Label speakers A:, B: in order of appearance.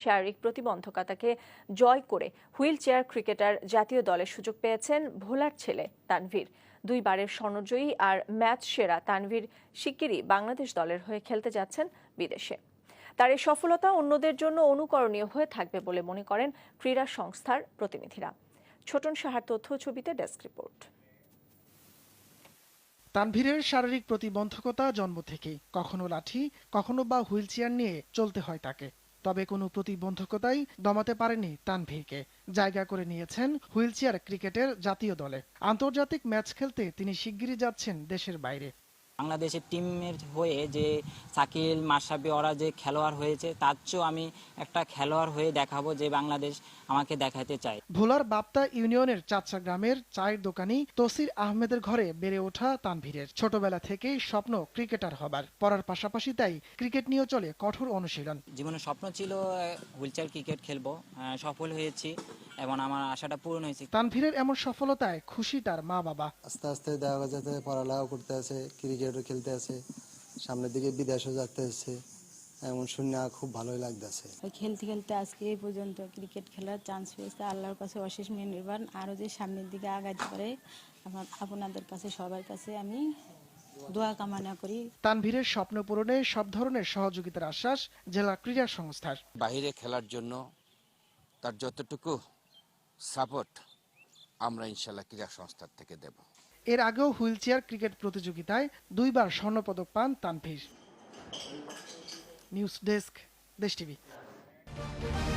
A: শারীরিক প্রতিবন্ধকতাকে জয় করে wheel chair cricketer জাতীয় দলের সুযোগ পেয়েছেন ভোলার ছেলে তানভীর। 2 বারের স্বর্ণজয়ী আর ম্যাচ সেরা তানভীর শিগগিরই বাংলাদেশ দলের হয়ে খেলতে যাচ্ছেন বিদেশে। তার এই সফলতা অন্যদের জন্য অনুকরণীয় হয়ে থাকবে বলে মনে করেন ক্রীড়া সংস্থার প্রতিনিধিরা। ছোটন সাহার তথ্য ছবিতে ডেস্ক রিপোর্ট।
B: তানভীরের শারীরিক প্রতিবন্ধকতা জন্ম থেকেই, কখনো লাঠি কখনো বা হুইল চেয়ার নিয়ে চলতে হয় তাকে। তবে কোনো প্রতিবন্ধকতাই দমাতে পারেনি তানভীরকে। জায়গা করে নিয়েছেন হুইল চেয়ার ক্রিকেটের জাতীয় দলে। আন্তর্জাতিক ম্যাচ খেলতে তিনি শিগগিরই যাচ্ছেন দেশের বাইরে।
C: বাংলাদেশের টিমের হয়ে যে শাকিল মাশরাফি ওরা যে খেলোয়াড় হয়েছে, তার চেয়েও আমি একটা খেলোয়াড় হয়ে দেখাবো যে বাংলাদেশ আমাকে দেখাতে চায়।
B: ভোলার বাপ্তা ইউনিয়নের চাচা গ্রামের চায়ের দোকানি তসির আহমেদের ঘরে বেড়ে ওঠা তানভীরের ছোটবেলা থেকেই স্বপ্ন ক্রিকেটার হবার। পড়ার পাশাপাশি তাই ক্রিকেট নিয়েও চলে কঠোর অনুশীলন।
C: জীবনের স্বপ্ন ছিল হুইলচেয়ার ক্রিকেট খেলবো, সফল হয়েছি এবং আমার আশাটা পূরণ হয়েছে।
B: তানভীরের এমন সফলতায় খুশি তার মা বাবা।
D: আস্তে আস্তে দেখা যাচ্ছে পড়ালেখা করতে আছে, ক্রিকেটও খেলতে আছে, সামনের দিকে বিদেশও যেতে আছে। এমন শুনে খুব ভালোই লাগতেছে।
E: খেলতে খেলতে আজকে এই পর্যন্ত ক্রিকেট খেলার চান্স পেয়েছে। আল্লাহর কাছে অশেষ মেহেরবান। আরও যে সামনের দিকে আগাতে পারে আপনাদের কাছে সবার কাছে আমি দোয়া কামনা করি।
B: তানভীরের স্বপ্ন পূরণে সব ধরনের সহযোগিতার আশ্বাস জেলা ক্রীড়া সংস্থার।
F: বাইরে খেলার জন্য তার যতটুকু সাপোর্ট আমরা ইনশাল্লাহ ক্রীড়া সংস্থার থেকে দেব।
B: এর আগেও হুইল চেয়ার ক্রিকেট প্রতিযোগিতায় 2 বার স্বর্ণপদক পান Tanvir. News desk, Desh TV.